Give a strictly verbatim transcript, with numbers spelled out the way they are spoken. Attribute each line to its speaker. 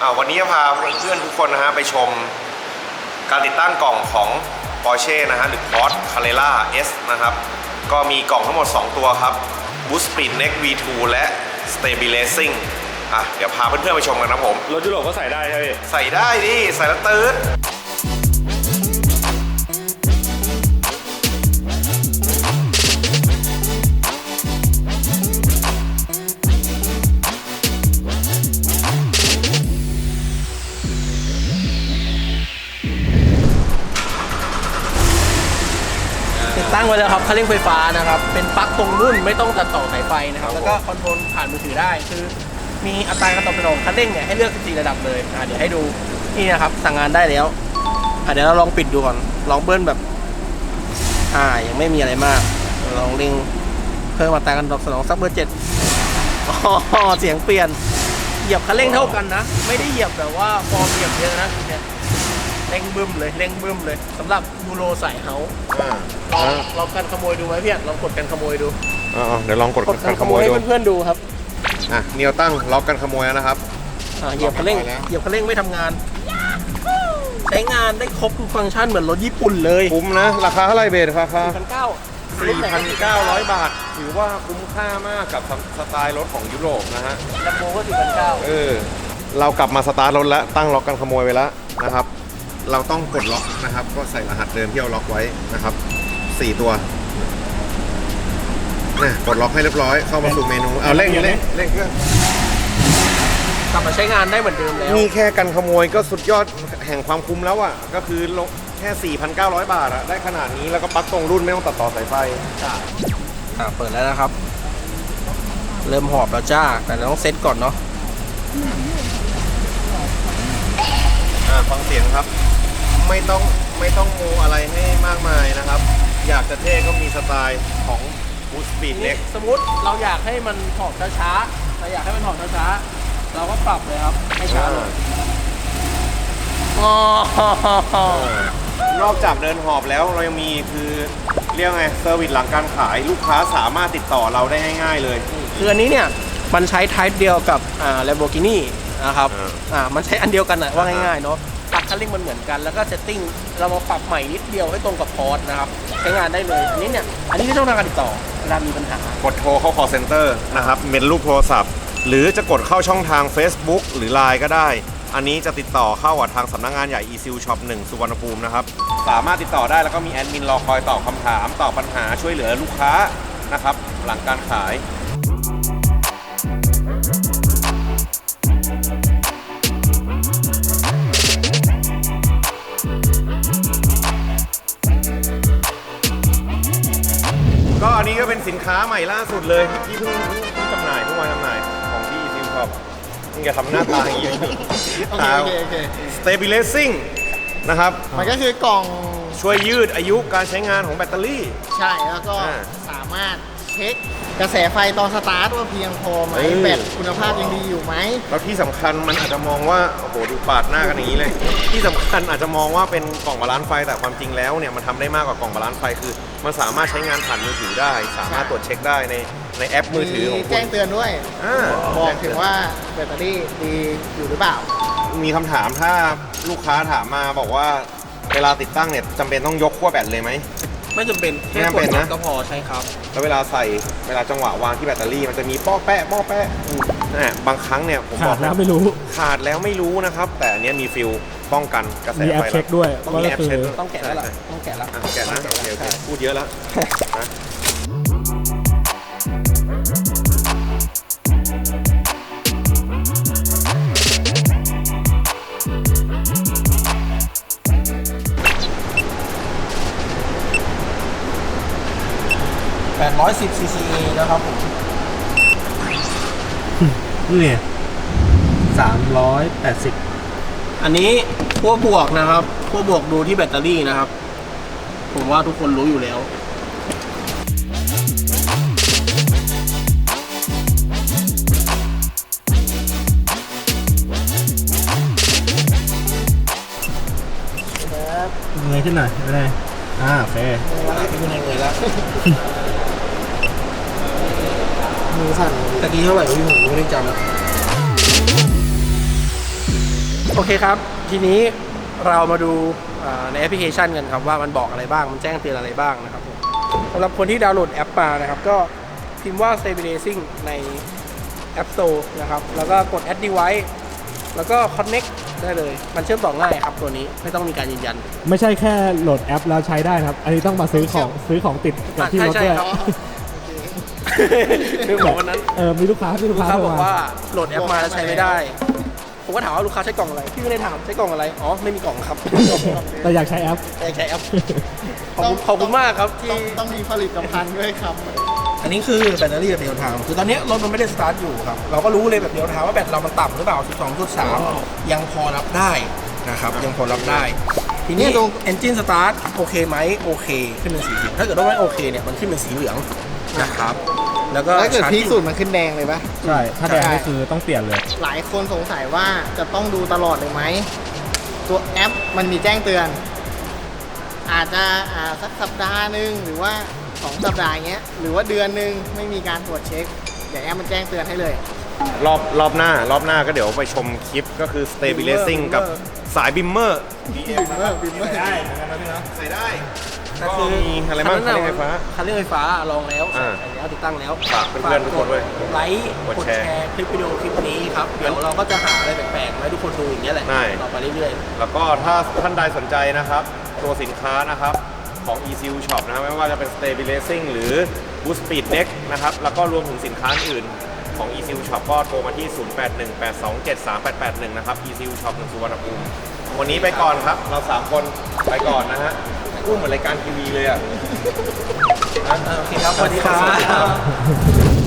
Speaker 1: วันนี้จะพาเพื่อนๆทุกคนนะฮะไปชมการติดตั้งกล่องของ Porsche นะฮะหรือ Porsche Carrera S นะครับก็มีกล่องทั้งหมดสองตัวครับ Boost Speed Next วี ทู และ Stabilizing อ่ะเดี๋ยวพาเพื่อนๆไปชมกันนะผม
Speaker 2: รถยุโรปก็ใส่ได้ใช่ไหม
Speaker 1: ใส่ได้ดิใส่แล้วตื่น
Speaker 3: ตั้งไว้แล้วครับคันเร่งไฟฟ้านะครับเป็นปลั๊กตรงรุ่นไม่ต้องตัดต่อสายไฟนะครับแล้วก็คอนโทรลผ่านมือถือได้คือมีอัตราการตอบสนองคันเร่งเนี่ยให้เลือกสิบสี่ระดับเลยอ่ะเดี๋ยวให้ดูนี่นะครับสั่งงานได้แล้วอ่ะเดี๋ยวเราลองปิดดูก่อนลองเบิ้ลแบบอ่ายังไม่มีอะไรมากลองเร่งเพิ่มอัตราการตอบสนองสักเบอร์เจ็ดอ๋อเสียงเปลี่ยนเหยียบคันเร่งเท่ากันนะไม่ได้เหยียบแบบว่าฟอร์มเหยียบเยอะนะเนี่ยเร่งบึ้มเลยเร่งบึ้มเลยสำหรับยูโรสายเฮาลองลองกันขโมยดูไหมพี่ลองกดกันขโมยดู
Speaker 1: อ๋อเดี๋ยวลองกดกันขโมย
Speaker 3: ดูให้เพื่อนๆดูครับ
Speaker 1: อ่ะเนียวตั้งล็อกกันขโมยแล้วนะครับ
Speaker 3: อ่าเหยียบคันเร่งเหยียบคันเร่งไม่ทำงานใช้งานได้ครบทุกฟังก์ชันเหมือนรถญี่ปุ่นเลย
Speaker 1: คุ้มนะราคาเท่าไหร่เบสราคา
Speaker 3: สี่พันเก้า
Speaker 1: สี่พันเก้าร้อยบาทถือว่าคุ้มค่ามากกับสไตล์รถของยุโรปนะฮะ
Speaker 3: แลมโบก็สี่พันเก้า
Speaker 1: เออเรากลับมาสตาร์ทรถแล้วตั้งล็อกกันขโมยไปแล้วนะครับเราต้องกดล็อกนะครับก็ใส่รหัสเดิมที่เราล็อกไว้นะครับสี่ตัวเนี่ยกดล็อกให้เรียบร้อยเข้ามาสู่เมนูเอาเร่งเร่งเร่งเครื่อง
Speaker 3: กลับมาใช้งานได้เหมือนเดิมแล้ว
Speaker 1: นี่แค่กันขโมยก็สุดยอดแห่งความคุ้มแล้วอ่ะก็คือแค่ สี่พันเก้าร้อย บาทอะได้ขนาดนี้แล้วก็ปลั๊กตรงรุ่นไม่ต้องตัดต่อสายไฟ
Speaker 3: จ้าอ่าเปิดแล้วนะครับเริ่มหอบแล้วจ้าแต่เราต้องเซตก่อนเนาะ
Speaker 1: อ่าฟังเสียงครับไม่ต้องไม่ต้องโมอะไรให้มากมายนะครับอยากจะเท่ก็มีสไตล์ของ Boost Speed Next
Speaker 3: สมมติเราอยากให้มันหอบช้าๆเราอยากให้มันหอบช้าๆเราก็ปรับเลยครับให้ช้าลง
Speaker 1: นอกจากเดินหอบแล้วเรายังมีคือเรียกไงเซอร์วิสหลังการขายลูกค้าสามารถติดต่อเราได้ง่ายๆเลย
Speaker 3: คืออันนี้เนี่ยมันใช้ Type เดียวกับอ่า Lamborghini นะครับอ่ามันใช้อันเดียวกันนะว่าง่ายๆเนาะปรับคันเร่งมันเหมือนกันแล้วก็เซตติ้งเรามาปรับใหม่นิดเดียวให้ตรงกับพอร์ตนะครับใช้งานได้เลยอันนี้เนี่ยอันนี้ไม่ต้องทำการติดต่อเวลามีปัญหาก
Speaker 1: ดโทรเข้า call center นะครับเป็นรูปโทรศัพท์หรือจะกดเข้าช่องทาง Facebook หรือ ไลน์ ก็ได้อันนี้จะติดต่อเข้ากับทางสำนักงานใหญ่ Easil Shop หนึ่งสุวรรณภูมินะครับสามารถติดต่อได้แล้วก็มีแอดมินรอคอยตอบคำถามตอบปัญหาช่วยเหลือลูกค้านะครับหลังการขายก็อันนี้ก็เป็นสินค้าใหม่ล่าสุดเลยที่เพิ่งเพิ่งจำหน่ายเพิ่งวางจำหน่ายของที่ Easil Shop มึงอย่าทำหน้าตาอย่างนี้
Speaker 4: โอเคโอเคโอเค
Speaker 1: Stabilizing นะครับ
Speaker 4: มันก็คือกล่อง
Speaker 1: ช่วยยืดอายุการใช้งานของแบตเตอรี่
Speaker 4: ใช่แล้วก็สามารถเช็คกระแสไฟตอนสตาร์ทว่าเพียงพอไหมแบตคุณภาพยังดีอยู่ไหม
Speaker 1: แล้วที่สำคัญมันอาจจะมองว่าโอ้โหดูปาดหน้ากันอย่างนี้เลยที่สำคัญอาจจะมองว่าเป็นกล่องบาลานซ์ไฟแต่ความจริงแล้วเนี่ยมันทำได้มากกว่ากล่องบาลานซ์ไฟคือมันสามารถใช้งานผ่านมือถือได้สามารถตรวจเช็คได้ในในแอปมือถือของคุณ
Speaker 4: แจ้งเตือนด้วยบอกถึงว่าแบตเตอรี่ดีอยู่หรือเปล่า
Speaker 1: มีคำถามถ้าลูกค้าถามมาบอกว่าเวลาติดตั้งเนี่ยจำเป็นต้องยกขั้วแบตเลยไหม
Speaker 3: ไม่จำเป็นแค่กดล็อกก็พอใช่ครับ
Speaker 1: แล้วเวลาใส่เวลาจังหวะวางที่แบตเตอรี่มันจะมีป้อแปะป้อแปะนะบางครั้งเนี่ยผมบอก
Speaker 2: แล้วไม่รู้
Speaker 1: ขาดแล้วไม่รู้นะครับแต่อันนี้มีฟิลป้องกันกระแสไฟ
Speaker 2: มีแอปเช็คด้วย
Speaker 1: ต้องมีแอปเช็ค
Speaker 3: ต้องแกะแล้วต้องแกะแล้ว
Speaker 1: แกะนะโอเคโอเคพูดเยอะแล้ว
Speaker 3: แปดร้อยสิบ ซี ซี เอ นะครับผม
Speaker 2: นี่สามร้อยแปดสิบ
Speaker 3: อันนี้ขั้วบวกนะครับขั้วบวกดูที่แบตเตอรี่นะครับผมว่าทุกคนรู้อยู่แล้ว
Speaker 2: เงยขึ้นหน่อยไม่ได้อ่าโอเค
Speaker 3: ไม่ได้เลยแล้วมือสั่นตะกี้เท่าไหร่พี่ผมไม่ได้จำโอเคครับ ทีนี้เรามาดูอ่าในแอปพลิเคชันกันครับว่ามันบอกอะไรบ้างมันแจ้งเตือนอะไรบ้างนะครับผมสำหรับคนที่ดาวน์โหลดแอปมานะครับก็พิมพ์ว่า stabilizing ใน App Store นะครับแล้วก็กด add device แล้วก็ connect ได้เลยมันเชื่อมต่อง่ายครับตัวนี้ไม่ต้องมีการยืนยัน
Speaker 2: ไม่ใช่แค่โหลดแอปแล้วใช้ได้นะครับ อันนี้ต้องมาซื้อของซื้อของติดกับที่รถ
Speaker 3: ใช่
Speaker 2: ด้วย
Speaker 3: ใช่ครับ คือบอกวันนั้น
Speaker 2: เออมีลูกค้ามีลู
Speaker 3: ลู
Speaker 2: ก
Speaker 3: ก
Speaker 2: ค้า
Speaker 3: ค้า
Speaker 2: โทร
Speaker 3: บอก
Speaker 2: มา
Speaker 3: ว่าโหลดแอปมาแล้วใช้ไม่ได้ผมก็ถามว่าลูกค้าใช้กล่องอะไรพี่ไม่ได้ถามใช้กล่องอะไรอ๋อไม่มีกล่องครับ
Speaker 2: แต่อยากใช้แอป
Speaker 3: แต่ใช้แอปขอบคุณขอบคุณมากครับที่
Speaker 4: ต้องต้องมีผลิตภัณฑ์ด้วยครับ
Speaker 3: อันนี้คือแบตเตอรี่แบบเดียวทางคือตอนนี้รถมันไม่ได้สตาร์ทอยู่ครับ เราก็รู้เลยแบบเดียวทางว่าแบตเรามันต่ำหรือเปล่า สิบสองจุดสาม ยังพอรับได้นะครับ ยังพอรับได้ ทีนี้
Speaker 4: เนี่ยตรง
Speaker 3: Engine Start โอเคไหมโอเค ขึ้นเป็นสีเขียวถ้าเกิดว่าไม่โอเคเนี่ย มันขึ้นเป็นสีเหลืองนะครับ แล้วก็
Speaker 4: ถ้าเกิด
Speaker 3: ชาร์จ
Speaker 4: พีคสุดมันขึ้นแดงเลยปะ
Speaker 2: ใช่ ถ้าแดงนี่คือต้องเปลี่ยนเลย
Speaker 4: หลายคนสงสัยว่าจะต้องดูตลอดเลยไหม ตัวแอปมันมีแจ้งเตือน อาจจะอ่าสักสัปดาห์หนึ่งหรือว่าสองสัปดาห์เงี้ย หรือว่าเดือนหนึ่งไม่มีการตรวจเช็ค เดี๋ยวแอปมันแจ้งเตือนให้เลย
Speaker 1: รอบรอบหน้ารอบหน้าก็เดี๋ยวไปชมคลิปก็คือ stabilizing กับสายบิมเมอร์
Speaker 4: บิมเมอร์บิมเมอร์
Speaker 1: ได้ใส่ได้
Speaker 3: แต่
Speaker 1: ก็
Speaker 3: คือ
Speaker 1: มีอะไรบ้างคันเร่งไฟฟ้า
Speaker 3: คันเร่งไฟฟ้าลองแล้ว
Speaker 1: อ่า
Speaker 3: ใส่แล้วติดตั้งแล้ว
Speaker 1: ฝากเพื่อนๆทุกคนด้วย
Speaker 3: ไลค์
Speaker 1: กด
Speaker 3: กด
Speaker 1: แชร์
Speaker 3: แชร์คลิปวิดีโอคลิปนี้ครับ เดี๋ยวเราก็จะหาอะไรแปลกๆมาให้ทุกคนดูอย่างเงี้ยแหละ
Speaker 1: ได้
Speaker 3: ต่อไปเรื่อยๆ
Speaker 1: แล้วก็ถ้าท่านใดสนใจนะครับ ตัวสินค้านะครับของ อี ซี ยู Shop นะครับไม่ว่าจะเป็น stabilizing หรือ boost speed neck นะครับแล้วก็รวมถึงสินค้าอื่นของ อี ซี ยู Shop ก็โทรมาที่ ศูนย์ แปด หนึ่ง แปด สอง เจ็ด สาม แปด แปด หนึ่ง นะครับ อี ซี ยู Shop หนึ่งสุวรรณภูมิวันนี้ไปก่อนครับ เราสามคนไปก่อนนะฮะพูดเหมือนรายการทีวีเลยอ่ะ
Speaker 3: โอเคครับ สวัสดีครับ